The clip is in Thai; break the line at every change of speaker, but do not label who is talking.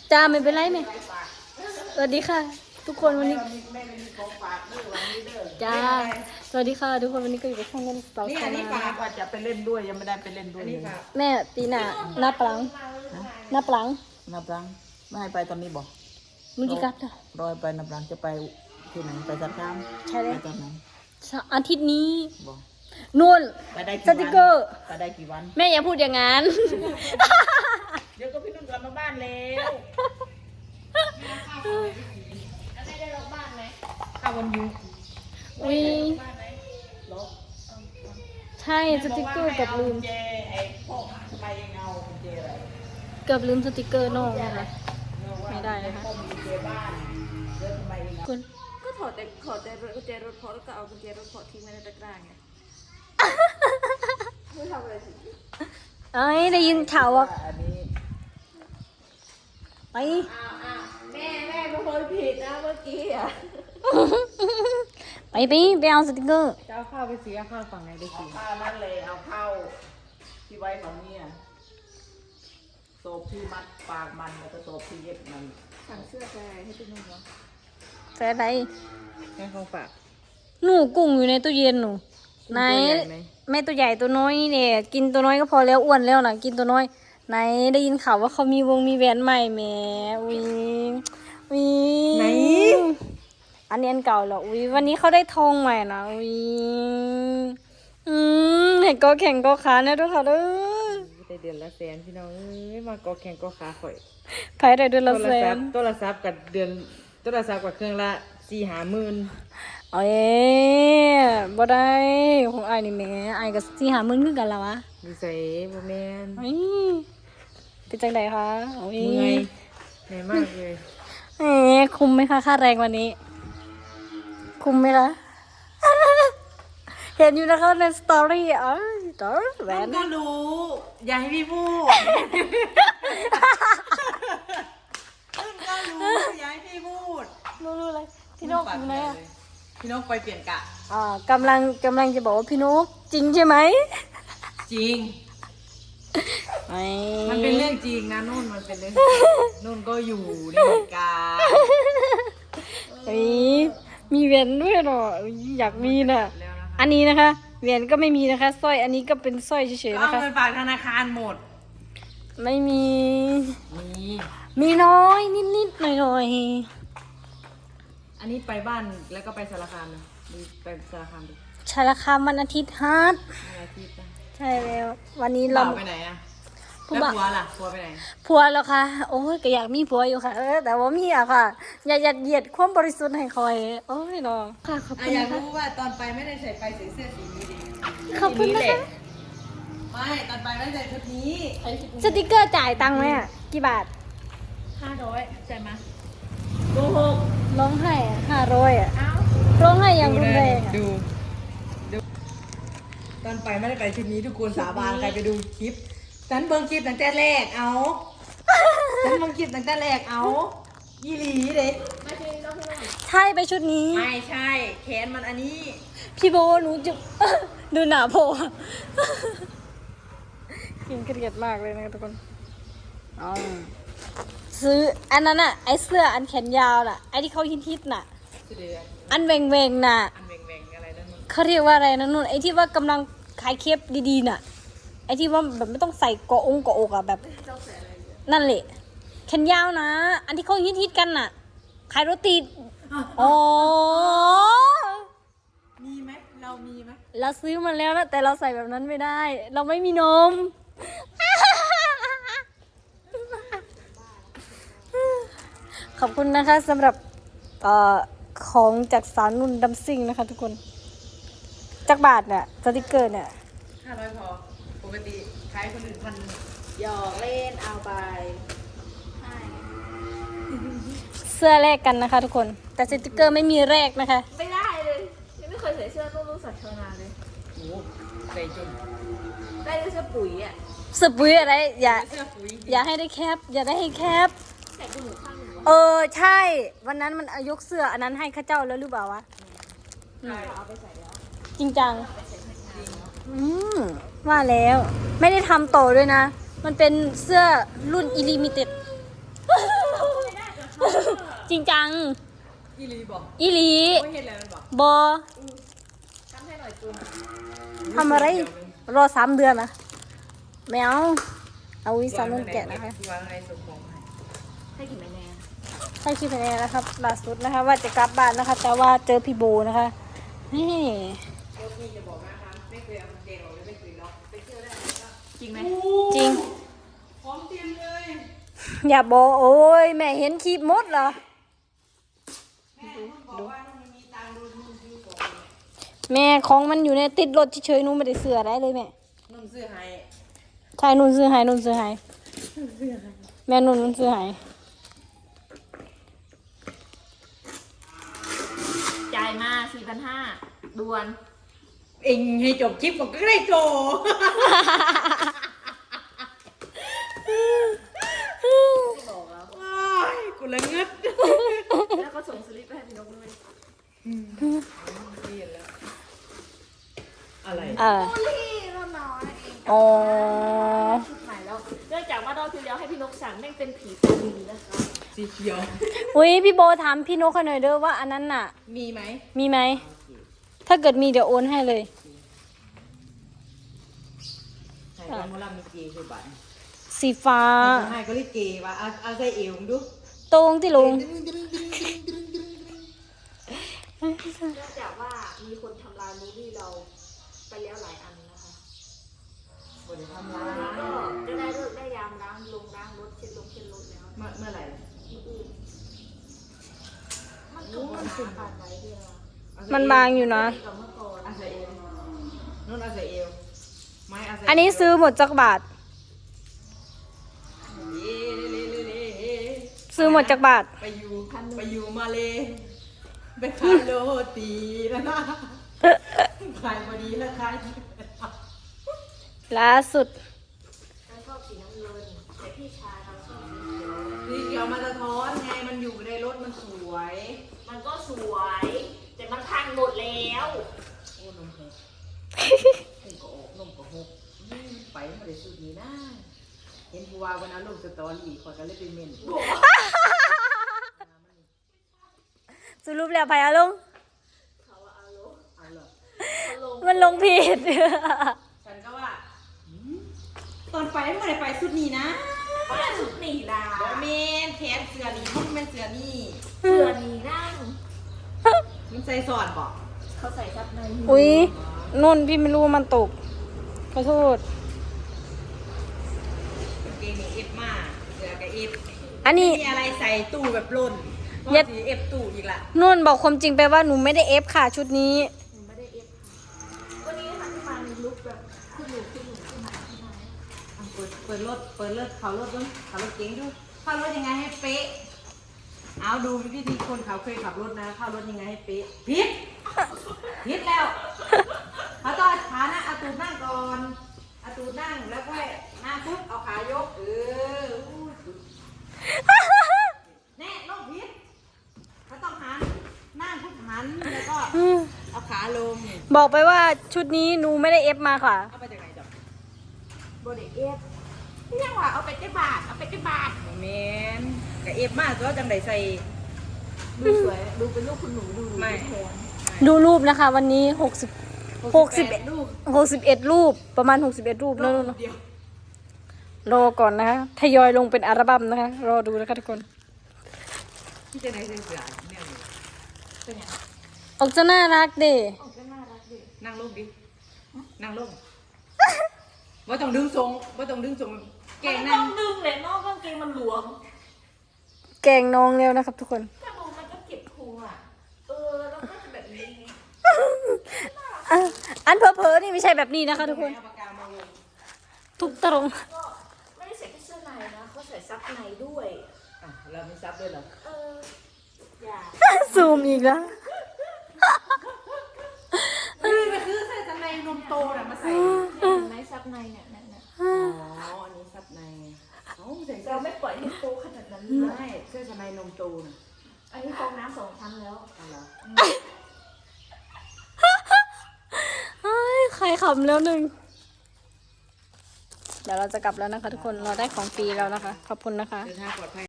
จ้าไม่เป็นไรไหมสวัสดีค่ะทุกคนวันนี้จ้าสวัสดีค่ะทุกคนวันนี้ก็อยู่กับช่องเล่นสาว
นี่
สา
อันนี้
ว
ฝากว่าจะไปเล่นด้วยยังไม่ได้ไปเล่นด้วยเลย
แม่ตีหน้าหน้าปลังหน้าปลัง
นับรังไม่ให้ไปตอนนี้บอก
มึงกี่กัดอ่ะ
รอยไปนับรังจะไปที่ไหนไปสัตว์น้ำ
ใช่เลย
ไปตอนไหน
อาทิตย์นี้
บอก
นู่น
ไปได้กี่
ส
วัน
ติกเกอร์
ไปได้กี่วัน
แม่อย่าพูดอย่างนั้น
เดี๋ยวก็พี่นุ่นกลับมาบ้านแล้วข้าววันยุก
อุ้ยใช่สติกเกอร์เกับลืม
เจไอ้พวกใบเงาเจอะไร
เกือบลืมสติกเกอร์น้องนะคะไม่ได้นะคะ
ต้มเจบ้านเรื่องใบเงา
คุณ
ก็ถอดแต่กุญแจรถพอแล้วก็เอากุญแจรถพอทิ้งไว้ในตะกร้าไงไม่ทำอะไรสิ
เอ้ยได้ยินข่าวว่า
อันนี้
ไป
แม่เป็นคนผิดนะเมื่อกี้อ่ะ
ไปเอาสติกเกอร์
จะเอาข้าวไปซื้อข้าวฝั่งไหนได้กิน
ข้าวนั่นเลยเอาเข้าที่ไว้ของเนี่ยโซบที่มัดปากมันแล้วก็โซบที่เย็บมัน
สั่งเสื้อไปให้พี่นุ่มเหรอ
แฟนอะไร
ให้เขาฝาก
หนูกุ้งอยู่ในตู้เย็นหนูไหน
ตัวใหญ่ไหม
แม่ตัวใหญ่ตัวน้อยนี่เนี่ยกินตัวน้อยก็พอแล้วอ้วนแล้วนะกินตัวน้อยไหนได้ยินข่าวว่าเขามีมีแหวนใหม่แหมวิวิ
ไหน
อันนี้อันเก่าเหรอวิวันนี้เขาได้ทองใหม่นะวิเห็นก็แข่งก็ขาเนี่ยด้วยค่ะเด้อ
ได้เดือนละแสนพี่น้องเอ้ยมากอแข่งกอขาข่อย
ไผ่ได้เดือนละแสน
โทรศัพท์กับเดือนโทรศัพท์กับเครื่องละ4-5 หมื่น
เอ้ยบ่ได้ของไอ้ายนี่แหม่ไอ้ายก็40,000คือกันแล้ววะ
ดีใส่บ่แม่น
เฮ้ยเป็นจังไดคะโอ้ย
เมื่อยเหนื่อยมากเลย
เอ๊ะคุ้มไหมคะค่าแรงวันนี้ คุ้มไหมคะ เห็นอยู่นะคะในสตอรี่อ๋อตอแหว
มัน นก็รู้อย่าให้พี่พูดมันก็รู้อย่าให้พี่พูด
รู้เลยพี่นกอยู่ไหนอ่ะ
พี่นกไปเปลี่ยนกะ
กำลังจะบอกว่าพี่นกจริงใช่ไหม
จริง
ไม่
มันเป็นเรื่องจริงนะนุ่นมันเป็นเรื่องจริงนุ่นก็อยู่ในเหตุการณ์
เฮ้ยมีแหวนด้วยเหรออุ๊ยอยากมีน่ะ
แล้วนะคะ
อันนี้นะคะแหวนก็ไม่มีนะคะสร้อยอันนี้ก็เป็นสร้อยเฉย
ก็
ๆ
เอา
นะคะ
เงินฝากธนาคารหมด
ไม่มี
มี
มีน้อยนิดๆหน่อย
อันนี้ไปบ้านแล้วก็ไปสารคามนะดูไปสารคามดู
ๆชาละคามวันอาทิตย์ฮาร์ด
อะไรที่ไป
ใช่แล้ววันนี้
เรา
เรา
ไปไหนอะ
ผู้
แล้ว
บ่าว
ผัวล่ะผัวไปไหน
ผัวแล้วค่ะ โอ้ยก็อยากมีผัวอยู่ค่ะ แต่ว่ามีอะค่ะ อย่ายัดเยียดความบริสุทธิ์ให้คอย โอ้ยน้องค่ะขอบ
อ่ะ
คุณ
อยาก
นะคะ
รู้ว่าตอนไปไม่ได้ใส่ไปใส่เสื้อสีนี้ดิ
ขอบคุณ
สี
นะ
แหล
คะ
ไม่ตอนไปไม่ได้ใส่ชุดนี้
สติกเกอร์จ่ายตังค์ไหมอะกี่บาท
500ใช่ไหม
ร้องไห้500อะร้องไห้อย่างรุนแรงอะ
ดูตอนไปไม่ได้ไปชุดนี้ทุกคนสาบานใครไปดูคลิปฉันเบิ่งคลิปตั้งแต่แรกเอาฉันเบิ่งคลิปตั้งแต่แรกเอายี่หลีเด็
ใช่ไปชุดนี้
ไม่ใช่แขนมันอันนี้
พี่โบหนูจะ ดูหนาโพกินเกลียดมากเลยนะคะทุกคนอ๋อซื้ออันนั้นอะไอเสื้ออันแขนยาวน่ะไอที่เขาฮิตๆน่ะ
สุดเดือน
อันแหวงๆน่ะ
อันแหว่งๆอะไรนั่นมัน
เขาเรียกว่าอะไรนะนุ่นไอที่ว่ากำลังขายเคปดีๆน่ะไอที่ว่าแบบไม่ต้องใส่เกาะองเกาะอกอะแบบ นั่นแหละแขนยาวนะ อันที่เขาฮิตๆกันน่ะ ขายโรตีอ๋อ
มีไหมเรามีไหม
เราซื้อมาแล้วนะแต่เราใส่แบบนั้นไม่ได้ เราไม่มีนม ขอบคุณนะคะสำหรับของจากสารนุ่นดัมซิ่งนะคะทุกคนจากบาทเนี่ยสติกเกอร์เนี่ย
500พอปกติขายคนอื่นพันหยอกเล่นเอาไป
เสื้อแลกกันนะคะทุกคนแต่สติกเกอร์ไม่มีแลกนะคะ
ไม่ได้เลยยังไม่เคยใส่เสื้อต้องรู้สัตว์ชาวนาเลยโอ้ใส่จนได้เสื้อปุ๋ยอ่ะ
สปุยอะไรอย่า
เสื้อปุ๋ย
อย่าให้ได้แคปอย่าได้ให้แคป
ใส่กุหนูข้างหนึ่ง
ใช่ วันนั้นมันยกเสื้ออันนั้นให้ข้าเจ้าแล้วหรือเปล่าวะ
เอาไปใส่แล้ว
จริงจังว่าแล้วไม่ได้ทำโตด้วยนะ มันเป็นเสื้อรุ่นอิลิมิเต็ดจริงจัง
อีหลีบอก
อีหลี
ไม่เห็นแล้วมันบอก
บอ
ทำให้หน่อยจูน
ทำอะไร รอ3 เดือนนะไม่เอาวิสานุ่งแกะนะคะ
วางในส่งของให้
ให้กี่แน่
ให้คิดคะแนนนะครับล่าสุดนะคะว่าจะกลับบ้านนะคะ แต่ว่าเจอพี่โบนะคะนี่
รถนี่จะบอกนะคะไม่เคยเอามันเกงออกเลยไม่เคยล็อกไปเที่ยวได้ไหมก็
จริงไหม
จริง
พร้อมเตรียมเลย
อย่าบอกโอ้ยแม่เห็นคลิปมดเหรอ
แม่คุณบอกว่ามันมีตังค์ดูนู่นซื้อของ
แม่ของมันอยู่ในติดรถเฉยๆหนูไม่ได้เสืออะไรเลยแม่
นุ่มซื้อให้
ใช่นุ่นซื้อให้แม่นุ่นซื้อให้
จ่ายมา 4,500ด่วน
เองให้จบคลิปมันก็ได้โจ
บอกแล้ว
ว้ายกูละเงึด
แล้วก็ส่งสลิปไปให้พี่นกด้วย
อะไร
ลี่เราน้อยเอง
อ๋อ
ชุดใหม่แล้วเนื่องจากว่ารอบที่แล้วให้พี่นกสั่งแม่งเป็นผีตาดีนะคะ
สีเขียว
อุ้ยพี่โบถามพี่นกเขาหน่อยเด้อว่าอันนั้นน่ะ
มีไหม
มีไหม ถ้าเกิดมีเดี๋ยวโอนให้เลย
ใช่ก็มอลำมีเกย์คือบัตร
สีฟ้า
ให้ก็เรียกเกย์ว่าเอาใส่เอวมึงดู
ตรงที่ลุง
เนื่องจากว่ามีคนทำลายมูวี่เราไปแล้วหลายอันนะคะ
บนทำร้า
วันนี้ก็
ย
จะได้เลิกได้ยามล้างรถเช็ดรถแล้ว
เมื่อไหร่
อื่นมันก็มันสุดผ่านไว้เดียว
มันบางอยู่นะ
กับเมื่อก่อน
เอาใส่เอวนุ่นเอาใส่เอวไม้เอาใส่
อันนี้ซื้อหมดจักบาท ซื้อหมดจักบาท
ไปอยู่มาเลยไปขายโรตีนะขายพอดีแล้วขาย
ล่าสุด
ฉันชอบสีน้ำเงินแต่พี่ชายเราชอบสีเขียว
สีเขียวมันสะท้อนไงมันอยู่ในรถมันสวย
มันก็สวย แต่มันพังหมดแล้ว
โอ้นมหกนมก็ออกนมก็หกไปมาได้สุดนี้นะเห็นผู้ว่าวันนั้นลงสตอรี่ขอกันเลยเป็นเมน
สรุปแล้วไปอะลุง
เขาว่าเอาลง
เอาเหรอ
เขาลง
มันลงผิด
ฉันก็ว่าตอนไปไม่ได้ไปสุดนี้นะ
ว่าสุดหนีลา
บอเมนแขนเสือนี่มันเป็นเสือนี่
เสือหนีนั่ง
มันใส่สอดบอก
เขาใส่ซับใน
อุ๊ยนุ่นพี่ไม่รู้ว่ามันตก ขอโทษ
กางเกงนี่เอฟมากเสือกับเอฟ
อันนี้
มีอะไรใส่ตู้แบบล่น
เย็ด
สีเอฟตู้อีกละ
นุ่นบอกความจริงไปว่าหนูไม่ได้เอฟค่ะชุดนี้
หนูไม่ได้เอฟค่ะวันนี้นะคะที่มาในลุคแบบขึ้นหนูขึ้นมา
อ่ะเปิดรถเขารถด้วยเขารถเก๋งด้วยเข้ารถยังไงให้เป๊ะเอาดูวิธีคนเขาเคยขับรถนะเข้ารถยังไงให้เป๊ะผิดแล้วเขาต้องขานะเอาตูดนั่งก่อนเอาตูดนั่งแล้วก็หน้าปุ๊บเอาขายกอู้แน่ลงผิดเขาต้องหันนั่งปุ๊บหันแล้วก็เอาขาลง
บอกไปว่าชุดนี้หนูไม่ได้เอฟมาค่ะ
เอาไปจากไหนจ๊ะ
โบเดเอฟเรียกว่าเอาไปเจ้าบาทเอาไปเจ้าบาท
แมนกับเอฟมากตัวจังไดใส่
ดูสวยดูเป็นลูกคุณหนูดู
ไม่
แทน
ดูรูปนะคะ วันนี้61
ลูก
61 รูปประมาณ 61 รูปแล้วเนอะ
เดียว
รอก่อนนะคะทยอยลงเป็นอัลบั้มนะคะ รอดูนะคะทุกคน
ที่จะไหนเสือเนี่ย
เป็นไง
ออกจะน่ารักเด้
ออกก็น่ารักดี
นั่งลงดินั่งลงว่าต้องดึงทรงว่าต้องดึงทรงแกง
ไม่
นั่
ต้อง งดึงเลยนอกกางเกงมันหลวม
แกงน้องแล้วนะครับทุกคน
ถ้าดูมันก็เก็บพุงอ่ะแล้วก็จะแบบนี้
อันเผลอๆนี่ไม่ใช่แบบนี้นะคะทุกคน
เอาปากกามาวง
ทุกตรง
ก็ไม่ได้ใส่แค่เสื้อในนะเขาใส่ซับในด้วย
อ่ะเราไม่ซับด้วยเหรอ
อย่า
ซูมอีกแล้ว
มันคือใส่ทำไมนมโตน่ะมาใส่
เห็นไหมซับในเนี่ยเนี่ย
อ๋ออันนี้ซับในเอ้าใส่เสื้
เรา
อ
ไม่ปล่อยให้โตขนาดนั้น
ไม่เสื้อทำไมนมโตน่ะ
อันนี้ฟองน้ำ2 ชั้นแล้ว
เอาเหรอ
เฮ้ยใครขำแล้วหนึ่ง เดี๋ยวเราจะกลับแล้วนะคะทุกคน เราได้ของฟรีแล้วนะคะ ขอบคุณนะคะ
เดินทางปลอดภัย